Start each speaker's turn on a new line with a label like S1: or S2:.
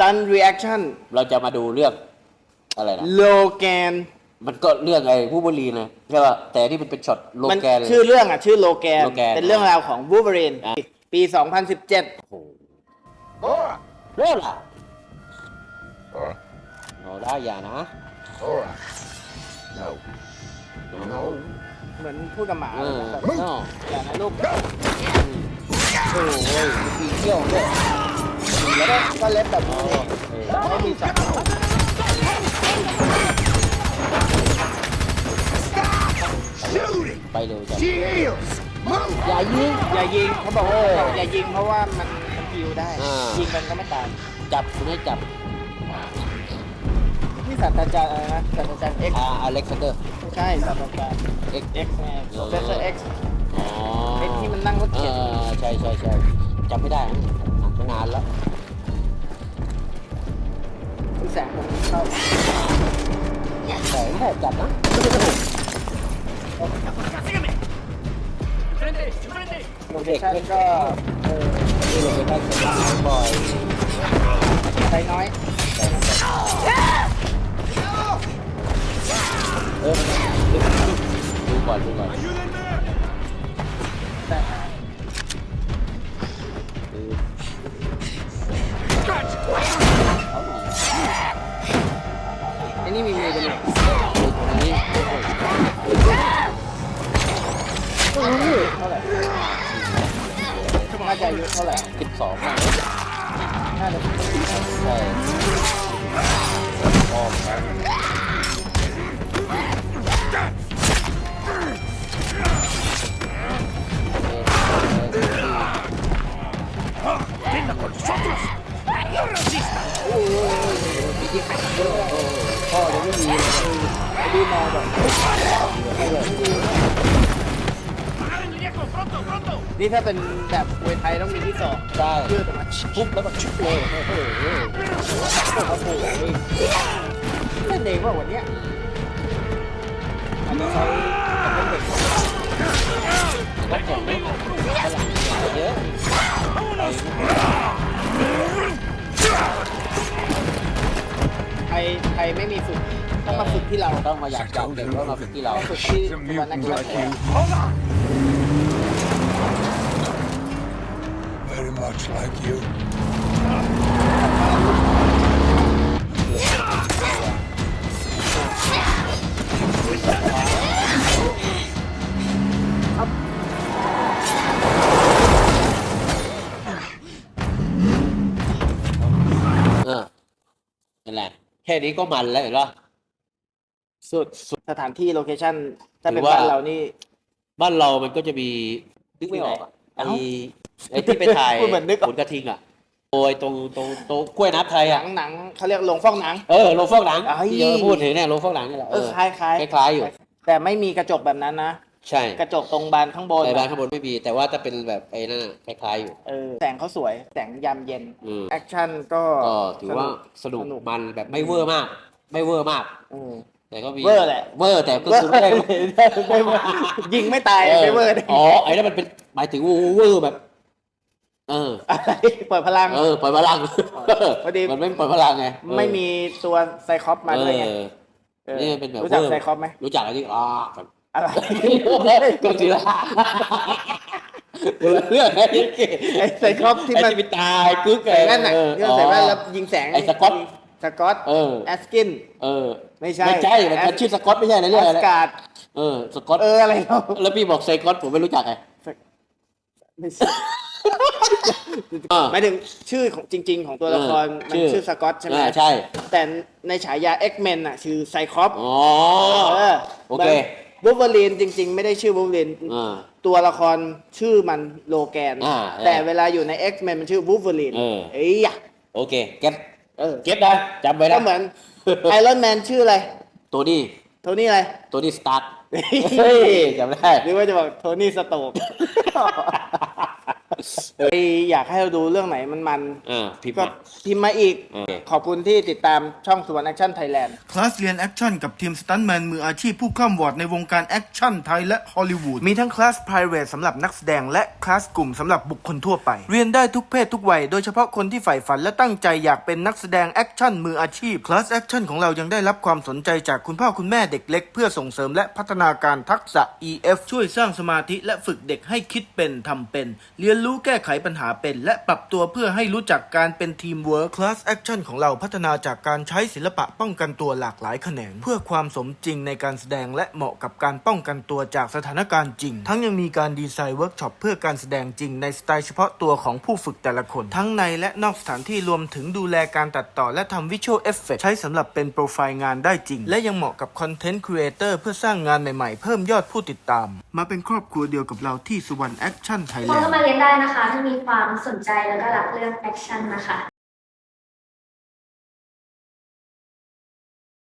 S1: Instant Reaction
S2: เราจะมาดูเรื่องอะไรนะ
S1: โลแกน
S2: มันก็เรื่องไอ้วูล์ฟเวอรีนเลยใช่ป่ะแต่นี่มันเป็นช็อตโล
S1: มัน
S2: แกนเลย
S1: ชื่อเรื่องอ่ะชื่อโลแกน
S2: โลแกน
S1: เป็นเรื่องราวของ Wolverine
S2: อ่ะ
S1: ปี 2017
S2: โอ้โหเริ่มละเอาได้อย่านะ
S3: No. No.
S1: เหมือนพูดกับหมา
S2: เออ
S1: แบบ
S2: เนาะ
S1: อย่านะลูก
S2: โอ้ยมีเที่ยวด้วย
S1: แล้วก็เล็บแบบนี้
S2: เออ
S1: ไม่มีสับ
S3: Shoot it.
S2: ไปเร็วจัง
S3: Shields. Move.
S2: อย่ายิง
S1: อย่ายิงเขาบอกว่าอย่ายิงเพราะว่ามันฮิวได้
S2: อ่า
S1: ยิงมันก็ไม่ตาย
S2: จับคุณให้จับ
S1: นี่ศาสตราจารย์อะไรนะศาสตราจารย์ X
S2: อเล็กซานเดอร์
S1: ไม่ใช่ศาสตราจารย์
S2: X
S1: X ไง Professor X
S2: อ๋อ
S1: X ที่มันนั่งรถเข็น
S2: ใช่จำไม่ได้นะอ่านมานานแล้ว
S1: คุณแสงผมชอบ
S2: แต่ไม่ได้จับนะ
S1: โลเคชั่นก็
S2: นี่เราไปได้สตาร์บ่อย
S1: ใช้น้อย
S2: ดูก่อน
S1: แต่อันนี้มีมือกันเลย
S2: นี่
S1: เท่าไหร่น่าจะอายุเท่าไหร่
S2: 12นะ
S1: น่าจะ
S2: ใช่ออก
S1: พ่อยังไม่มีเลยไอ้ดูมาแบบนี่ถ้าเป็นแบบมวยไทยต้องมีที่สอง
S2: ใช่
S1: ยืดออกมา
S2: ปุ๊บแล้วก็ชุบเลยโอ้โห
S1: โอ้โหเล่นเองว่าวันเนี้ยอันนี้ใช้เป็นเด็ก
S2: ก็แข่งไม่ฝรั่งเยอะ
S1: ไทยไม่มีฝึกต้องมาฝึกที่เรา
S2: ต้องมาอยากจับเด็กแล้วมาฝึกที่เรา
S1: ฝึกที่
S3: Some
S1: วันนัก
S3: mutant
S1: กีฬา
S3: like you. Very much like you.
S2: นั่นแหละแค่นี้ก็มันแล้วเห็นป่ะ
S1: สุดสถานที่โลเคชั่นถ้าเป็น
S2: ถือว่า
S1: บ้านเรานี่
S2: บ้านเรามันก็จะมีนึกไม่ออกอ่ะ
S1: เอ้า
S2: ไอ้ที่ไปถ่าย
S1: พูดเหมือนนึกออก
S2: ผลกระทิงอ่ะโอ้ยตรงกล้วยน้ำไทย
S1: หนั
S2: อ่ะ
S1: งเขาเรียกโรงฟอกหนัง
S2: โรงฟอกหนัง
S1: เอ้ย
S2: ที่เราพูดถึงเนี่ยโรงฟอกหนังนี่แหละ
S1: คล้าย
S2: คล้ายๆอยู่
S1: แต่ไม่มีกระจกแบบนั้นนะ
S2: ใช่
S1: กระจกตรงบานข้างบน
S2: แต่บ้านข้างบนไม่มีแต่ว่าถ้าเป็นแบบไอ้นั่นน่ะคล้ายๆอยู่
S1: แสงเขาสวยแสงยามเย็น
S2: อืม
S1: แอคชั่นก็
S2: ก็ถือว่าสนุกมันแบบไม่เวอร์มาก ไม่เวอร์มาก
S1: เออ
S2: แต่ก็มี
S1: เวอร์แหละ
S2: เวอร์แต่ก็คือไม่ได้
S1: ไม่เวอร์ยิงไม่ตายไม่เวอร์ได้
S2: อ๋อไอ้นั่นมันเป็นหมายถึงเวอร์แบบ
S1: อะไรเปิดพลัง
S2: ปล่อยพลัง
S1: พอดี
S2: มันไม่ปล่อยพลังไง
S1: ไม่มีตัวไซคอปมาด้วยไงเออ
S2: นี่มันเป็นแบบ
S1: รู้จัก
S2: เวอร์
S1: ไซคอปไหม
S2: รู้จักอะไรที่แบบ
S1: อะไร
S2: ก็ทีละเรื่องไอ้เก๋
S1: ไอ้ไซคอปที่มัน
S2: ไอ้ที่ตายกึ๊ก
S1: ใส่แว่นน่ะที่มันใส่แว่นแล้วยิงแสง
S2: ไอ้สก๊อต
S1: สก๊อตแอสกิน ไม่ใช่
S2: มันชื่อสกอตไม่ใช่นะเรื่อง
S1: แอ
S2: อะไร
S1: สการ์ด
S2: สกอต
S1: อะไรเรา
S2: แล้วพี่บอกไซกอตผมไม่รู้จักไง
S1: ไม่ใช่หมายถึงชื่อของจริง ๆ ของตัวละครมันชื่อสก๊อตใช่ไหม
S2: ใช่
S1: แต่ในฉายา X-Men น่ะชื่อไซคอป
S2: อ๋อ โอเค
S1: วูล์ฟเวอรีนจริง ๆ ไม่ได้ชื่อวูล์ฟเวอรีน ตัวละครชื่อมันโลแกน แต่เวลาอยู่ใน X-Men มันชื่อวูล์ฟเวอรีนเอ้ย
S2: โอเคเก็ตเก็ตนะจำไว้นะ
S1: ก็เหมือนไอรอนแมนชื่ออะไร
S2: ตัวนี้
S1: โทนี่อะไร
S2: ตัวนี้สตาร์ทจำได้
S1: หรือว่าจะบอกโทนี่สโตกอยากให้เราดูเรื่องไหนมัน
S2: พิมพ์
S1: ก็
S2: มา
S1: พิมพ์มาอีก
S2: โอเค
S1: ขอบคุณที่ติดตามช่องสุวรรณแอคชั่นไทยแลนด์
S4: คลาสเรียนแอคชั่นกับทีมสตันท์แมนมืออาชีพผู้ข้ามวอร์ดในวงการแอคชั่นไทยและฮอลลีวูดมีทั้งคลาส private สำหรับนักแสดงและคลาสกลุ่มสำหรับบุคคลทั่วไป เรียนได้ทุกเพศทุกวัยโดยเฉพาะคนที่ใฝ่ฝันและตั้งใจอยากเป็นนักแสดงแอคชั่นมืออาชีพคลาสแอคชั่นของเรายังได้รับความสนใจจากคุณพ่อคุณแม่เด็กเล็กเพื่อส่งเสริมและพัฒนาการทักษะ EF ช่วยสร้างสมาธิและฝึกเด็กให้คิดเป็นทำเป็นเรียนรู้แก้ไขปัญหาเป็นและปรับตัวเพื่อให้รู้จักการเป็นทีมเวิร์คคลาสแอคชั่นของเราพัฒนาจากการใช้ศิลปะป้องกันตัวหลากหลายแขนงเพื่อความสมจริงในการแสดงและเหมาะกับการป้องกันตัวจากสถานการณ์จริงทั้งยังมีการดีไซน์เวิร์กช็อปเพื่อการแสดงจริงในสไตล์เฉพาะตัวของผู้ฝึกแต่ละคนทั้งในและนอกสถานที่รวมถึงดูแลการตัดต่อและทำวิชวลเอฟเฟกต์ใช้สำหรับเป็นโปรไฟล์งานได้จริงและยังเหมาะกับคอนเทนต์ครีเอเตอร์เพื่อสร้างงานใหม่ๆเพิ่มยอดผู้ติดตามมาเป็นครอบครัวเดียวกับเราที่สุวรรณแอคชั่นไทยแลนด์
S5: เข้ามาเรียนได้นะคะถ้ามีความสนใจแล้วก็รักเรื่องแอคชั่นนะคะ